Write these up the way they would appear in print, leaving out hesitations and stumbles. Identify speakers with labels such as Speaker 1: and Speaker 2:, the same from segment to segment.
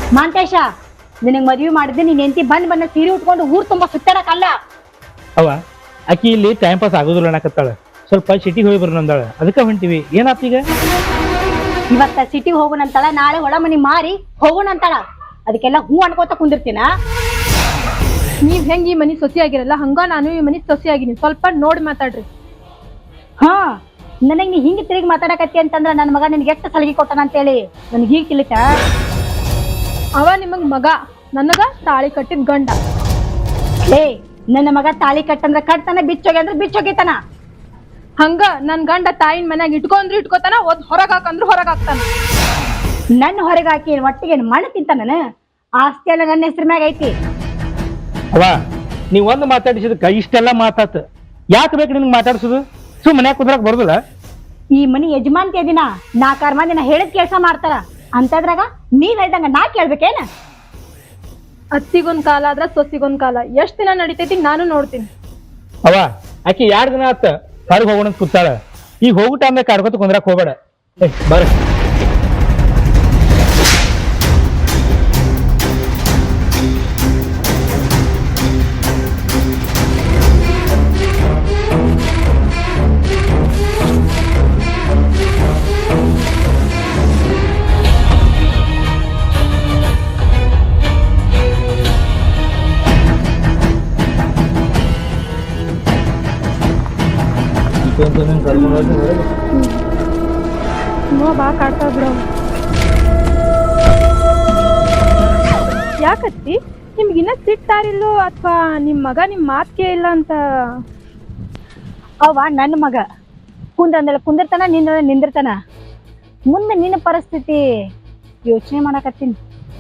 Speaker 1: ಮಾಂತೇಶ, ನಿನಗೆ ಮದ್ವಿ ಮಾಡಿದ್ರೆ ನೀನ್ ಹೆಂಡತಿ ಬಂದ್ ಸೀರೆ ಉಟ್ಕೊಂಡು ಊರ್ ತುಂಬಾ ಸುತ್ತಾಡಕಲ್ಲ.
Speaker 2: ಅವ ಆಕಿ ಇಲ್ಲಿ ಟೈಮ್ ಪಾಸ್ ಆಗೋದಿಲ್ಲ ಅನ್ನಕತ್ತಾಳ. ಸ್ವಲ್ಪ ಸಿಟಿಗೆ ಹೋಗಿ ಬರ್ನಂದಾಳ, ಅದಕ್ಕೆ ಹೊಂಟಿವಿ. ಏನಾತ್ ಈಗ?
Speaker 1: ಇವತ್ತ ಸಿಟಿಗೆ ಹೋಗೋಣಂತಾಳ, ನಾಳೆ ಹೊಳ ಮನಿ ಮಾರಿ ಹೋಗೋಣಂತಾಳ. ಅದಕ್ಕೆಲ್ಲ ಹೂ ಅನ್ಕೋತ ಕುಂದಿರ್ತೀನ.
Speaker 3: ನೀವ್ ಹೆಂಗ್ ಈ ಮನಿ ಸೊಸಿ ಆಗಿರಲ್ಲ ಹಂಗ ನಾನು ಈ ಮನಿ ಸೊಸಿ ಆಗಿನಿ. ಸ್ವಲ್ಪ ನೋಡಿ ಮಾತಾಡ್ರಿ.
Speaker 1: ಹಾ, ನನಗ್ ನೀ ಹಿಂಗ್ ತಿರುಗಿ ಮಾತಾಡಕತ್ತಿ ಅಂತಂದ್ರ ನನ್ನ ಮಗ ನಿನ್ಗೆ ಎಷ್ಟು ಸಲಹೆ ಕೊಟ್ಟಾನ ಅಂತೇಳಿ ನನ್ಗೆ ಹೀಗ್ ತಿಳಿತ.
Speaker 3: ಅವ ನಿಮಗ್ ಮಗ, ನನಗ ತಾಳಿ ಕಟ್ಟಿದ್ ಗಂಡ.
Speaker 1: ಏ, ನನ್ನ ಮಗ ತಾಳಿ ಕಟ್ಟಂದ್ರ ಕಟ್ತಾನ, ಬಿಚ್ಚೋಗಿ ಅಂದ್ರೆ ಬಿಚ್ಚೋಗಿತಾನ.
Speaker 3: ಹಂಗ ನನ್ ಗಂಡ ತಾಯಿನ ಮನ್ಯಾಗ ಇಟ್ಕೊಂಡ್ರು ಇಟ್ಕೋತಾನ, ಒದ್ ಹೊರಗ್ ಹಾಕಂದ್ರು ಹೊರಗ್ ಹಾಕ್ತಾನ.
Speaker 1: ನನ್ನ ಹೊರಗೆ ಹಾಕಿ ಒಟ್ಟಿಗೆ ಮಣ್ಣು ತಿಂತಾನ. ಆಸ್ತಿ ಎಲ್ಲ ನನ್ನ ಹೆಸರು ಮ್ಯಾಗ ಐತಿ.
Speaker 2: ಅವ ನೀವ್ ಒಂದು ಮಾತಾಡಿಸಿದಕ್ಕ ಇಷ್ಟೆಲ್ಲ ಮಾತಾತ. ಯಾಕೆ ಬೇಕು ನಿನ್ಗೆ ಮಾತಾಡ್ಸೋದು? ಮನ್ಯಾಗ ಕುಂದ್ರಾಕ್ ಬರುದಿಲ್ಲ?
Speaker 1: ಈ ಮನಿ ಯಜಮಾನ್ತಿ ದಿನ 4 ಮಂದಿ ನಾ ಹೇಳಿದ ಕೆಲಸ ಮಾಡ್ತಾರ ಅಂತದ್ರಾಗ ನೀವ್ ಹೇಳ್ದಂಗ ನಾ ಕೇಳ್ಬೇಕೇನ?
Speaker 3: ಅತ್ತಿಗೊಂದ್ ಕಾಲ ಆದ್ರ ಸೊಸಿಗೊಂದ್ ಕಾಲ. ಎಷ್ಟ್ ದಿನ ನಡಿತೈತಿ ನಾನು ನೋಡ್ತೀನಿ.
Speaker 2: ಅವ ಆಕಿ 2 ದಿನ ಆತ ಹೊರಗೆ ಹೋಗೋಣ ಕೂತಾಳ. ಈಗ ಹೋಗೋ ಟೈಮ್ನಾಗ ಕಾಡ್ಕೊತ ಕುಂದ್ರಾಕ್ ಹೋಗ್ಬೇಡ. ಬರ್ರಿ.
Speaker 3: ಬಾ ಕಾಡ್ತಾ ಬಿಡ. ಯಾಕತ್ತಿ ನಿಮ್ಗಿನ್ನ ಸಿಟ್ಟಾರಿಲ್ಲೋ ಅಥವಾ ನಿಮ್ ಮಗ ನಿಮ್ ಮಾತ್ ಕೇಳಿಲ್ಲ ಅಂತ?
Speaker 1: ಅವ ನನ್ನ ಮಗ ಕುಂದ್ರಂದಲ್ಲ ಕುಂದಿರ್ತಾನ, ನಿಂದಿರ್ತಾನ. ಮುಂದೆ ನಿನ್ನ ಪರಿಸ್ಥಿತಿ ಯೋಚನೆ ಮಾಡಕತ್ತೀನಿ.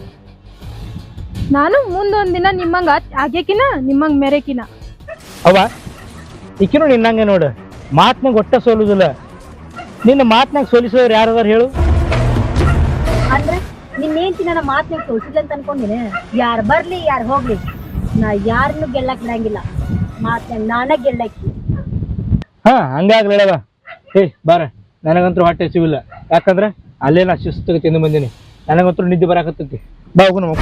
Speaker 3: ನಾನು ಮುಂದೊಂದ್ ದಿನ ನಿಮ್ಮಂಗ ಆಗ್ಯಕಿನ ನಿಮ್ಮಂಗ್ ಮೆರೆಕಿನ.
Speaker 2: ಅವ ಈಕಿನೂ ನಿನ್ನಂಗೆ ನೋಡು, ಮಾತ್ನಾಗ ಒಟ್ಟ ಸೋಲುದಿಲ್ಲ. ನಿನ್ನ ಮಾತ್ನಾಗ ಸೋಲಿಸೋರು ಯಾರದಾರ ಹೇಳು?
Speaker 1: ಅಂದ್ರೆ ನಿನ್ನೇಂತಿ ನನ್ನ ಮಾತನ್ನ ತೋರಿಸಿಲ್ಲ ಅಂತ ಅನ್ಕೊಂಡಿನಿ. ಯಾರು ಬರ್ಲಿ ಯಾರು ಹೋಗ್ಲಿ, ನಾ ಯಾರನ್ನು ಗೆಲ್ಲಕ್ ಬಿಡಂಗಿಲ್ಲ. ಮಾತನ್ನ ನಾನ ಗೆಲ್ಲಕ್ಕಿ.
Speaker 2: ಹಂಗಾಗ್ಲೇವ. ಬಾರ, ನನಗಂತೂ ಹೊಟ್ಟೆ ಸಿವಿಲ್ಲ. ಯಾಕಂದ್ರೆ ಅಲ್ಲೇ ನಾ ಶಿಸ್ತಿಗೆ ತಿಂದು ಬಂದೀನಿ. ನನಗಂತೂ ನಿದ್ದೆ ಬರಾಕತ್ತೈತಿ. ಬಾ ಹೋಗು ನಮ್ಮ.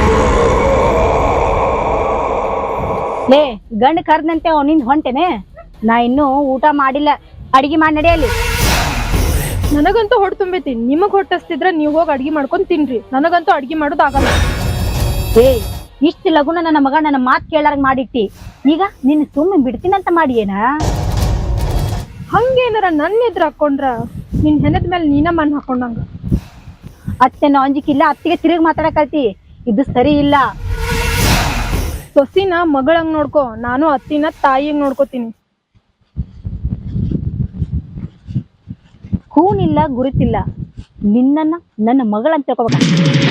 Speaker 1: ಲೇ, ಗಂಡ ಕರ್ದಂತೆ ಅವನಿಂದ ಹೊಂಟೇನೆ. ನಾ ಇನ್ನೂ ಊಟ ಮಾಡಿಲ್ಲ, ಅಡಿಗೆ ಮಾಡಿ ನಡೆಯಲ್ಲಿ.
Speaker 3: ನನಗಂತೂ ಹೊಟ್ಟೆ ತುಂಬೈತಿ. ನಿಮಗ್ ಹೊಟ್ಟಸ್ತಿದ್ರ ನೀವ್ ಹೋಗಿ ಅಡ್ಗೆ ಮಾಡ್ಕೊಂಡ್ ತಿನ್ರಿ. ನನಗಂತೂ ಅಡ್ಗೆ ಮಾಡೋದು ಆಗಲ್ಲ.
Speaker 1: ಏ, ಇಷ್ಟು ಲಗುನ ನನ್ನ ಮಗ ನನ್ನ ಮಾತು ಕೇಳಾರಂಗ್ ಮಾಡಿಟ್ಟಿ. ಈಗ ನಿನ್ನ ಸುಮ್ಮನೆ ಬಿಡ್ತೀನಂತ ಮಾಡಿ ಏನ?
Speaker 3: ಹಂಗೇನಾರ ನನ್ನ ಎದುರು ಹಾಕೊಂಡ್ರ ನಿನ್ ಹೆಣದ ಮೇಲೆ ನೀನ ಮಣ್ಣು ಹಾಕೊಂಡಂಗ.
Speaker 1: ಅತ್ತೆನ ಅಂಜಿಕಿಲ್ಲ, ಅತ್ತಿಗೆ ತಿರುಗಿ ಮಾತಾಡಕಲ್ತಿ. ಇದು ಸರಿ ಇಲ್ಲ.
Speaker 3: ಸೊಸಿನ ಮಗಳಂಗ್ ನೋಡ್ಕೊ, ನಾನು ಅತ್ತಿನ ತಾಯಿಯಂಗ್ ನೋಡ್ಕೋತೀನಿ.
Speaker 1: ಕೂನಿಲ್ಲ ಗುರುತಿಲ್ಲ, ನಿನ್ನನ್ನ ನನ್ನ ಮಗಳಂತ ತಿಳ್ಕೊಬೇಕ.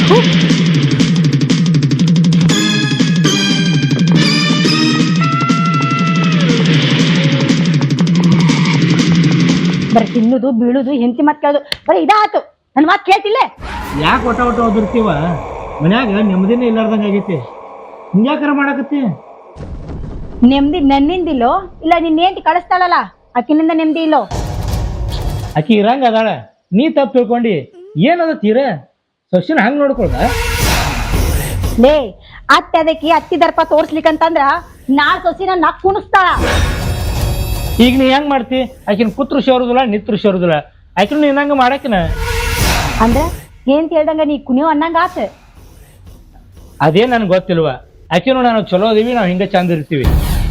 Speaker 1: ಬರೀ ತಿನ್ನುದು ಬೀಳುದು ಹೆಂಡತಿ ಮಾತು ಕೇಳುದು ಬರೀ ಇದಾತು. ನನ್ನ ಮಾತು ಕೇಳ್ತಿಲ್ಲ.
Speaker 2: ಯಾಕೆ ಒಟ್ಟ ಹೋದಿರ್ತೀವ? ಮನ್ಯಾಗ ನೆಮ್ಮದಿನೇ ಇಲ್ಲಾರ್ದಂಗ ಆಗೈತಿ. ಹಿಂಗ್ಯಾಕಾರ ಮಾಡಾಕತ್ತಿ?
Speaker 1: ನೆಮ್ಮದಿ ನನ್ನಿಂದಿಲ್ಲೋ ಇಲ್ಲ ನಿನ್ನೇಂತಿ ಕಳಿಸ್ತಾಳಲ್ಲ ಆಕಿನಿಂದ ನೆಮ್ಮದಿ ಇಲ್ಲೋ?
Speaker 2: ಆಕಿ ಇರಂಗ ಅದಾಳ, ನೀ ತಪ್ಪು ತಿಳ್ಕೊಂಡಿ. ಏನದ ತೀರ ಸೊಸಿನ ಹಂಗ ನೋಡ್ಕೊಳ್ದ?
Speaker 1: ಲೇ, ಅತ್ತೆ ಅದಕ್ಕೆ ಅತ್ತಿ ದರ್ಪ ತೋರ್ಸ್ಲಿಕ್ಕಂತಂದ್ರ ನಾಳೆ ಸೊಸಿನ ನಕ್ ಕುಣಿಸ್ತಾಳ.
Speaker 2: ಈಗ ನೀ ಹೆಂಗ್ ಮಾಡ್ತಿ? ಆಕಿನ ಕುತ್ರು ಶೋರುದಿಲ್ಲ, ನಿತ್ರು ಶೋರುದಿಲ್ಲ. ಆಕಿನ ನೀನ್ ಹಂಗ ಮಾಡಾಕಿನ
Speaker 1: ಅಂದ್ರ ಏನ್ ಹೇಳ್ದಂಗ ನೀ ಕುಣಿಯೋ ಅನ್ನಂಗ ಆತ.
Speaker 2: ಅದೇನ್ ನನ್ಗೆ ಗೊತ್ತಿಲ್ವ. ಆಕಿನೂ ನಾನು ಚಲೋ ಅದೀವಿ, ನಾವು ಹಿಂಗ ಚಂದ ಇರ್ತೀವಿ.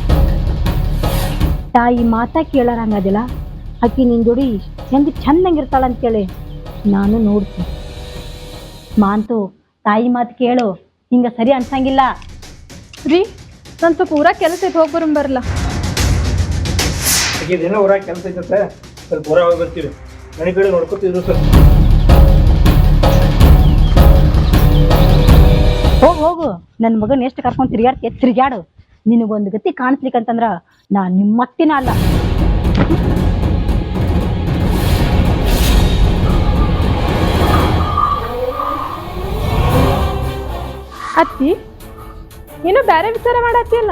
Speaker 1: ತಾಯಿ ಮಾತಾ ಕೇಳಾರಂಗದಿಲ್ಲ. ಆಕಿ ನಿನ್ ಜೋಡಿ ಹೆಂಗ್ ಚಂದಂಗಿರ್ತಾಳ ಅಂತೇಳಿ ನಾನು ನೋಡ್ತೀನಿ. ಮಾಂತು, ತಾಯಿ ಮಾತು ಕೇಳು, ಹಿಂಗ ಸರಿ ಅನ್ಸಂಗಿಲ್ಲ.
Speaker 3: ರೀ, ನನ್ ಸ್ವಲ್ಪ ಊರಾಗ ಕೆಲಸ ಐತೆ, ಹೋಗಿ ಬರಲ್ಲ.
Speaker 2: ಊರಾಗ ಕೆಲಸ ಐತೆ, ಸ್ವಲ್ಪ ಊರಾಗ ಹೋಗಿ ಬರ್ತೀವಿ. ಮನೆ ಕಡೆ ನೋಡ್ಕೊತಿದ್ರು ಸ್ವಲ್ಪ.
Speaker 1: ಹೋಗು, ನನ್ನ ಮಗನ ಎಷ್ಟು ಕರ್ಕೊಂಡ್ ತಿರ್ಗಾಡು. ನಿನಗೊಂದು ಗತಿ ಕಾಣಿಸ್ಲಿಕ್ಕಂತಂದ್ರ ನಾ ನಿಮ್ಮತ್ತಿನ ಅಲ್ಲ.
Speaker 3: ಅತ್ತಿ, ಏನೋ ಬೇರೆ ವಿಚಾರ ಮಾಡತ್ತೀಯಲ್ಲ?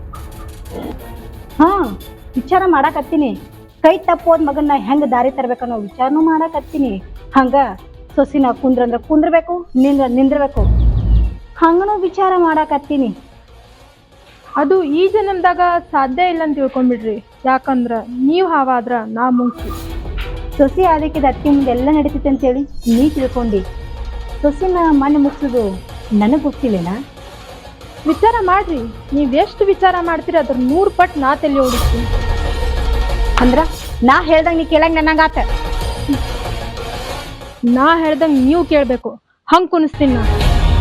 Speaker 1: ಹಾ, ವಿಚಾರ ಮಾಡಾಕತ್ತೀನಿ. ಕೈ ತಪ್ಪೋದ್ ಮಗನ್ನ ಹೆಂಗ ದಾರಿ ತರ್ಬೇಕನ್ನೋ ವಿಚಾರನೂ ಮಾಡಾಕತ್ತೀನಿ. ಹಂಗ ಸೊಸಿನ ಕುಂದ್ರಂದ್ರ ಕುಂದ್ರಬೇಕು, ನಿಂದ್ರಬೇಕು. ಹಂಗನೂ ವಿಚಾರ ಮಾಡಾಕತ್ತೀನಿ.
Speaker 3: ಅದು ಈ ಜನ್ಮದಾಗ ಸಾಧ್ಯ ಇಲ್ಲ ಅಂತ ತಿಳ್ಕೊಂಬಿಡ್ರಿ. ಯಾಕಂದ್ರ ನೀವ್ ಹಾವಾದ್ರ ನಾ ಮುಂಚೆ.
Speaker 1: ಸೊಸಿ ಆದಿಕ್ಕಿದ ಅತ್ತಿ ಮುಂದೆಲ್ಲ ನಡೀತೈತೆ ಅಂತೇಳಿ ನೀ ತಿಳ್ಕೊಂಡಿ. ಸೊಸಿನ ಮಣ್ಣು ಮುಗಿಸೋದು ನನಗೆ ಗೊತ್ತಿಲ್ಲೇನಾ?
Speaker 3: ವಿಚಾರ ಮಾಡ್ರಿ. ನೀವ್ ಎಷ್ಟು ವಿಚಾರ ಮಾಡ್ತೀರಿ ಅದ್ರ 100 ಪಟ್ಟು ನಾ ತಲೆ ಓಡಿಸ್ತೀನಿ.
Speaker 1: ಅಂದ್ರ ನಾ ಹೇಳ್ದಂಗ ನೀ ಕೇಳಂಗ ನನಗಾತ.
Speaker 3: ನಾ ಹೇಳ್ದಂಗ ನೀವು ಕೇಳ್ಬೇಕು. ಹಂಗ್ ಕುಣಿಸ್ತೀನಿ ನಾ.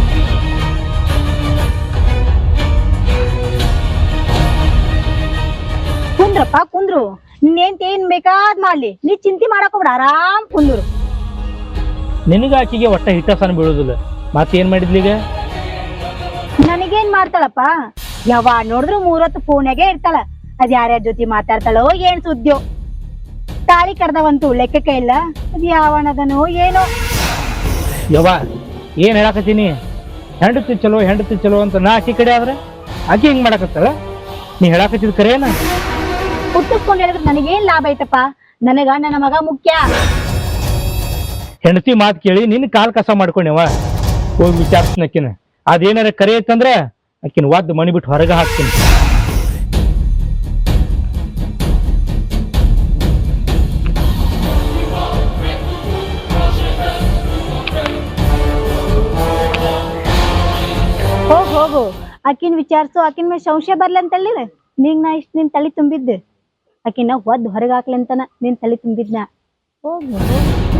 Speaker 1: ಕುಂದ್ರಪ್ಪ ಕುಂದ್ರು. ಏನ್ ಬೇಕಾದ್ ಮಾಡ್ಲಿ, ನೀ ಚಿಂತೆ ಮಾಡಕ್ ಹೋಗ್ಬಿಡ, ಆರಾಮ್ ಕುಂದ್ರು.
Speaker 2: ನಿನಗ ಆಕಿಗೆ ಒಟ್ಟ ಹಿಟ್ಟಸನ ಬೀಳುದಿಲ್ಲ. ಮತ್ತೇನ್ ಮಾಡಿದ್ಲೀಗ?
Speaker 1: ನನಗೇನ್ ಮಾಡ್ತಾಳಪ್ಪ, ಯಾವಾಗ ನೋಡಿದ್ರು 3 ಹೊತ್ತು ಫೋನ್ಯಾಗೆ ಇರ್ತಾಳ. ಅದ್ ಯಾರ್ಯಾರ ಜೊತೆ ಮಾತಾಡ್ತಾಳೋ ಏನ್ ಸುದ್ದಿಯೋ. ತಾಳಿ ಕಡ್ದವಂತೂ ಲೆಕ್ಕಕ್ಕೆ ಇಲ್ಲ. ಅದ್ ಯಾವನದನೋ ಏನೋ.
Speaker 2: ಯವ್ವ ಏನ್ ಹೇಳಾಕತ್ತೀನಿ? ಹೆಂಡತಿ ಚಲೋ ಅಂತ ನಾ ಆಕಿ ಕಡೆ ಆದ್ರೆ ಆಕಿ ಹಿಂಗ್ ಮಾಡಾಕತ್ತಾಳ? ನೀ ಹೇಳಾಕತ್ತಿದ್ ಕರೇನ?
Speaker 1: ಹುಟ್ಟಿಸ್ಕೊಂಡ್ ಹೇಳಿದ್ರೆ ನನಗೇನ್ ಲಾಭ ಐತಪ್ಪ? ನನಗ ನನ್ನ ಮಗ ಮುಖ್ಯ.
Speaker 2: ಹೆಂಡತಿ ಮಾತು ಕೇಳಿ ನಿನ್ನ ಕಾಲ್ ಕಸ ಮಾಡ್ಕೊಂಡೆವ. ಹೋಗಿ ವಿಚಾರಿಸ್ನಕ್ಕಿನ ಅದೇನಾರ ಕರೆ ಐತಂದ್ರ ಆಕಿನ ಒದ್ದು ಮಣಿ ಬಿಟ್ಟು ಹೊರಗೆ ಹಾಕ್ತೀನಿ.
Speaker 1: ಹೋಗು ಆಕಿನ್ ವಿಚಾರಿಸು. ಆಕಿನ ಮೇಲೆ ಸಂಶಯ ಬರ್ಲಂತಳ್ಳಿರ. ನೀಗ್ ನಾ ಇಷ್ಟ ನಿನ್ ತಲೆ ತುಂಬಿದ್ದೆ. ಆಕಿನ ಒದ್ದು ಹೊರಗೆ ಹಾಕ್ಲಂತನ ನಿನ್ ತಲೆ ತುಂಬಿದ್ನ. ಹೋಗು.